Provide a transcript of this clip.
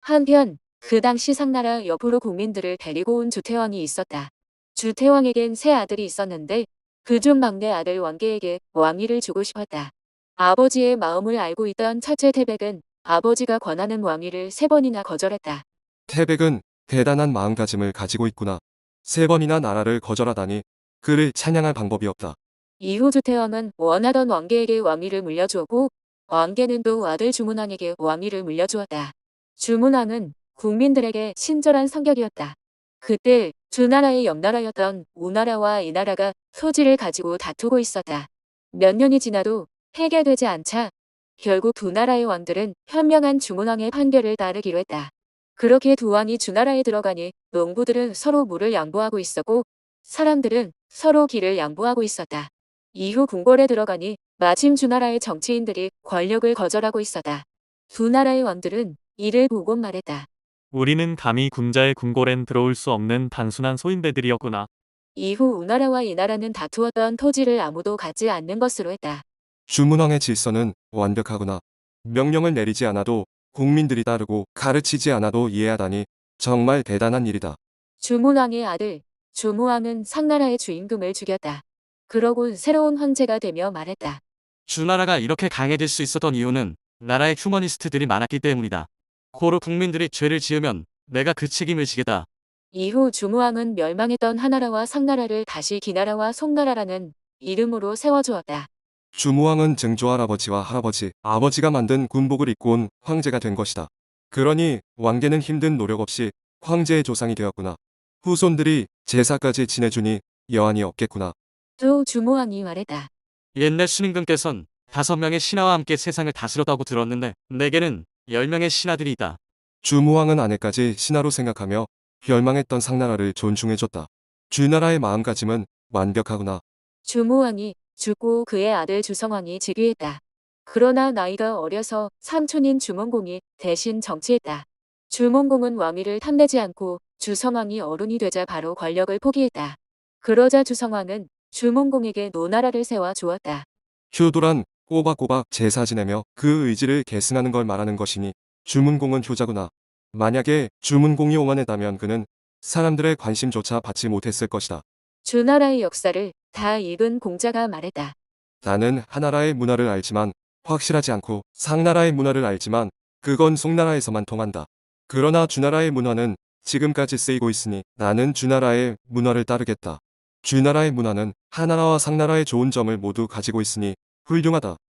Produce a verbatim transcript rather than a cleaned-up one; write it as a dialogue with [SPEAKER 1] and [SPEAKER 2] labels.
[SPEAKER 1] 한편 그 당시 상나라 옆으로 국민들을 데리고 온 주태왕이 있었다. 주태왕에겐 세 아들이 있었는데 그중 막내 아들 왕계에게 왕위를 주고 싶었다. 아버지의 마음을 알고 있던 첫째 태백은 아버지가 권하는 왕위를 세 번이나 거절했다.
[SPEAKER 2] 태백은 대단한 마음가짐을 가지고 있구나. 세 번이나 나라를 거절하다니 그를 찬양할 방법이 없다.
[SPEAKER 1] 이후 주태왕은 원하던 왕계에게 왕위를 물려주었고 왕계는 또 아들 주문왕에게 왕위를 물려주었다. 주문왕은 국민들에게 친절한 성격이었다. 그때 두 나라의 옆나라였던 우나라와 이나라가 소지를 가지고 다투고 있었다. 몇 년이 지나도 해결되지 않자 결국 두 나라의 왕들은 현명한 주문왕의 판결을 따르기로 했다. 그렇게 두 왕이 주나라에 들어가니 농부들은 서로 물을 양보하고 있었고 사람들은 서로 길을 양보하고 있었다. 이후 궁궐에 들어가니 마침 주나라의 정치인들이 권력을 거절하고 있었다. 두 나라의 왕들은 이를 보고 말했다.
[SPEAKER 3] 우리는 감히 군자의 궁궐엔 들어올 수 없는 단순한 소인배들이었구나.
[SPEAKER 1] 이후 우나라와 이나라는 다투었던 토지를 아무도 갖지 않는 것으로 했다.
[SPEAKER 2] 주문왕의 질서는 완벽하구나. 명령을 내리지 않아도 국민들이 따르고 가르치지 않아도 이해하다니 정말 대단한 일이다.
[SPEAKER 1] 주문왕의 아들 주무왕은 상나라의 주임금을 죽였다. 그러고 새로운 황제가 되며 말했다.
[SPEAKER 4] 주나라가 이렇게 강해질 수 있었던 이유는 나라의 휴머니스트들이 많았기 때문이다. 고로 국민들이 죄를 지으면 내가 그 책임을 지겠다.
[SPEAKER 1] 이후 주무왕은 멸망했던 하나라와 상나라를 다시 기나라와 송나라라는 이름으로 세워주었다.
[SPEAKER 2] 주무왕은 증조 할아버지와 할아버지, 아버지가 만든 군복을 입고 온 황제가 된 것이다. 그러니 왕계는 힘든 노력 없이 황제의 조상이 되었구나. 후손들이 제사까지 지내주니 여한이 없겠구나.
[SPEAKER 1] 또 주무왕이 말했다.
[SPEAKER 4] 옛날 순임금께선 다섯 명의 신하와 함께 세상을 다스렸다고 들었는데 내게는 열 명의 신하들이 있다.
[SPEAKER 2] 주무왕은 아내까지 신하로 생각하며 멸망했던 상나라를 존중해줬다. 주나라의 마음가짐은 완벽하구나.
[SPEAKER 1] 주무왕이 죽고 그의 아들 주성왕이 즉위했다. 그러나 나이가 어려서 삼촌인 주몽공이 대신 정치했다. 주몽공은 왕위를 탐내지 않고 주성왕이 어른이 되자 바로 권력을 포기했다. 그러자 주성왕은 주몽공에게 노나라를 세워 주었다.
[SPEAKER 2] 효도란 꼬박꼬박 제사 지내며 그 의지를 계승하는 걸 말하는 것이니 주문공은 효자구나. 만약에 주문공이 오만했다면 그는 사람들의 관심조차 받지 못했을 것이다.
[SPEAKER 1] 주나라의 역사를 다 읽은 공자가 말했다.
[SPEAKER 2] 나는 하나라의 문화를 알지만 확실하지 않고 상나라의 문화를 알지만 그건 송나라에서만 통한다. 그러나 주나라의 문화는 지금까지 쓰이고 있으니 나는 주나라의 문화를 따르겠다. 주나라의 문화는 하나라와 상나라의 좋은 점을 모두 가지고 있으니 훌륭하다.